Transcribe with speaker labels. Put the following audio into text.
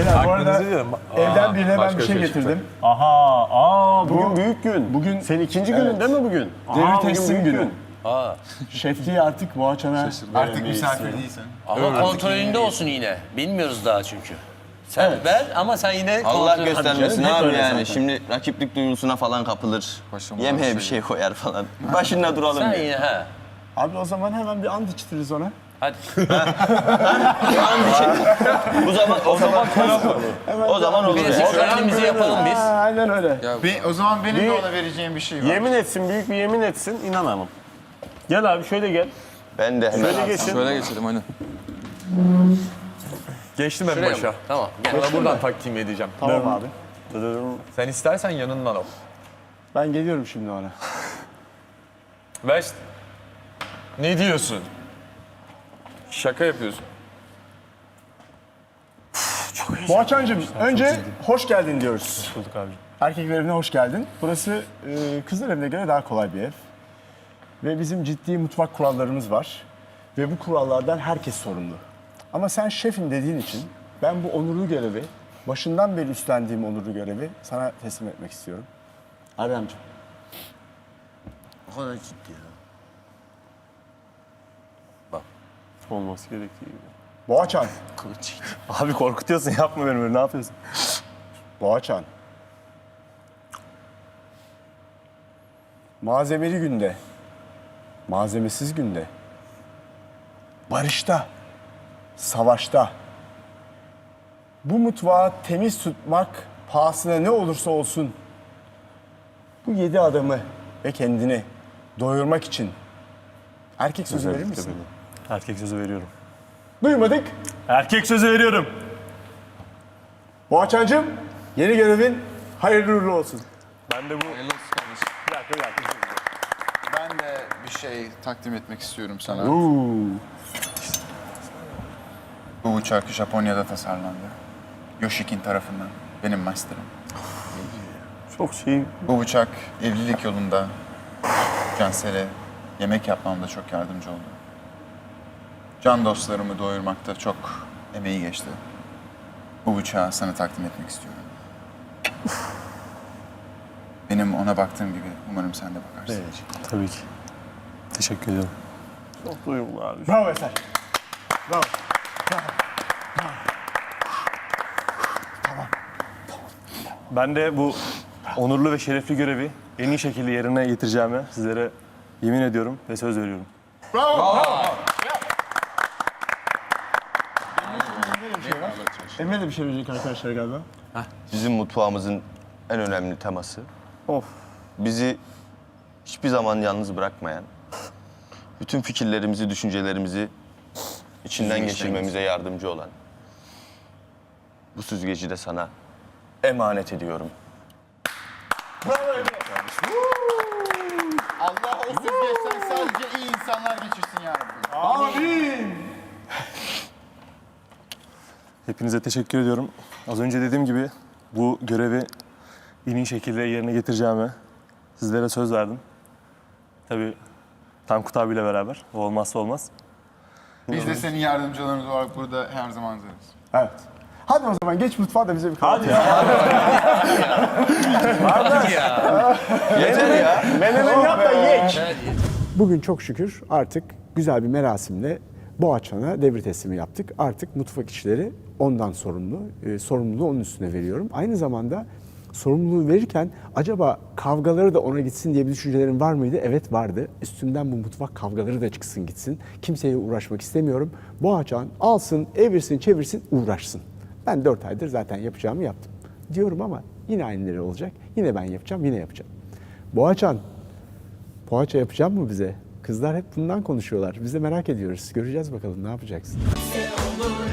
Speaker 1: Beyler bu arada
Speaker 2: Aklınızı diyorum.
Speaker 1: evden birine ben
Speaker 2: başka
Speaker 1: bir şey
Speaker 2: şey
Speaker 1: getirdim.
Speaker 3: Bugün büyük gün.
Speaker 1: Bugün
Speaker 3: Senin ikinci günün değil mi bugün?
Speaker 1: devir
Speaker 3: bugün
Speaker 1: teslim
Speaker 3: büyük
Speaker 1: günü.
Speaker 3: gün.
Speaker 1: Şefliği artık Boğaçan'a
Speaker 4: Artık misafir değilsin.
Speaker 5: Ama kontrolünde olsun yine. Bilmiyoruz daha çünkü. Sen ver ama sen yine
Speaker 6: Allah
Speaker 5: kontrol-
Speaker 6: göstermesin
Speaker 1: hep
Speaker 6: abi
Speaker 1: öyle
Speaker 6: yani.
Speaker 1: zaten.
Speaker 6: Şimdi rakiplik duygusuna falan kapılır.
Speaker 4: Başıma
Speaker 6: Yemeğe
Speaker 4: bir
Speaker 6: bir şey koyar falan. Başında duralım
Speaker 5: Sen
Speaker 6: ya.
Speaker 5: yine ha.
Speaker 1: Abi o zaman hemen bir and içtiririz ona.
Speaker 5: Hadi.
Speaker 6: O zaman olur
Speaker 5: Bilezik
Speaker 6: ya.
Speaker 5: törenimizi yapalım biz.
Speaker 1: Aynen öyle.
Speaker 4: O zaman benim de ona vereceğim bir şey var.
Speaker 3: Yemin etsin, büyük bir yemin etsin, inanamam. Gel abi şöyle gel.
Speaker 6: Ben de hemen.
Speaker 3: Şöyle geçin.
Speaker 4: Şöyle geçelim aynen.
Speaker 2: Geçtim en
Speaker 5: Şuraya
Speaker 2: başa.
Speaker 5: mı? Tamam. Gel.
Speaker 2: Sana buradan takdim edeceğim.
Speaker 1: Tamam abi.
Speaker 2: Sen istersen yanından ol.
Speaker 1: Ben geliyorum şimdi ona.
Speaker 2: West. Ne diyorsun? Şaka yapıyorsun.
Speaker 1: Boğaçancığım önce hoş geldin diyoruz.
Speaker 3: Bulduk abi.
Speaker 1: Erkekler evine hoş geldin. Burası kızlar evine göre daha kolay bir ev. Ve bizim ciddi mutfak kurallarımız var. Ve bu kurallardan herkes sorumlu. Ama sen şefim dediğin için ben bu onurlu görevi, başından beri üstlendiğim onurlu görevi sana teslim etmek istiyorum. Erdemciğim.
Speaker 5: O kadar ciddi ya.
Speaker 3: Olması gerektiği gibi.
Speaker 1: Boğaçan.
Speaker 3: Abi korkutuyorsun, yapma beni böyle, ne yapıyorsun?
Speaker 1: Boğaçan. Malzemeli günde, malzemesiz günde, barışta, savaşta, bu mutfağı temiz tutmak pahasına ne olursa olsun bu 7 adamı ve kendini doyurmak için erkek sözü verir misin?
Speaker 3: Erkek sözü veriyorum.
Speaker 1: Duymadık.
Speaker 3: Erkek sözü veriyorum.
Speaker 1: Boğaçancığım, yeni görevin hayırlı uğurlu olsun.
Speaker 3: Ben de bu...
Speaker 4: Hayırlı olsun kardeşim.
Speaker 3: Bir dakika.
Speaker 4: Ben de bir şey takdim etmek istiyorum sana. Bu uçak Japonya'da tasarlandı. Yoshikin tarafından. Benim master'ım.
Speaker 3: Çok şey...
Speaker 4: Bu uçak evlilik yolunda Cansel'e yemek yapmamda çok yardımcı oldu. Can dostlarımı doyurmakta çok emeği geçti. Bu uçağı sana takdim etmek istiyorum. Benim ona baktığım gibi umarım sen de bakarsın.
Speaker 3: Tabii ki. Teşekkür ederim. Çok duyumlu abi.
Speaker 1: Bravo Eser. Bravo.
Speaker 3: Ben de bu onurlu ve şerefli görevi en iyi şekilde yerine getireceğime sizlere yemin ediyorum ve söz veriyorum.
Speaker 1: Emre de bir şey verecek arkadaşlar galiba.
Speaker 6: Bizim mutfağımızın en önemli teması.
Speaker 3: Of.
Speaker 6: Bizi hiçbir zaman yalnız bırakmayan, bütün fikirlerimizi, düşüncelerimizi içinden geçirmemize yardımcı olan bu süzgeci de sana emanet ediyorum.
Speaker 4: Allah o süzgeçten sadece iyi insanlar geçirsin yani.
Speaker 3: Hepinize teşekkür ediyorum. Az önce dediğim gibi bu görevi en iyi şekilde yerine getireceğime sizlere söz verdim. Tabii Tankut abiyle beraber. O olmazsa olmaz.
Speaker 4: Biz de senin yardımcılarımız olarak burada her zaman hazırız.
Speaker 1: Evet. Hadi o zaman geç mutfağa da bize bir kahvaltı.
Speaker 6: Yeter ya.
Speaker 1: Menemen yap da ye.
Speaker 5: Evet.
Speaker 1: Bugün çok şükür artık güzel bir merasimle Boğaçan'a devir teslimi yaptık. Artık mutfak işleri ondan sorumlu. Sorumluluğu onun üstüne veriyorum. Aynı zamanda sorumluluğu verirken acaba kavgaları da ona gitsin diye bir düşüncelerin var mıydı? Evet vardı. Üstümden bu mutfak kavgaları da çıksın gitsin. Kimseye uğraşmak istemiyorum. Boğaçan alsın, evirsin, çevirsin, uğraşsın. Ben 4 aydır zaten yapacağımı yaptım. Diyorum ama yine aynıları olacak. Yine ben yapacağım, yine yapacağım. Boğaçan, poğaça yapacak mı bize? Kızlar hep bundan konuşuyorlar. Biz de merak ediyoruz. Göreceğiz bakalım ne yapacaksın.
Speaker 7: Olur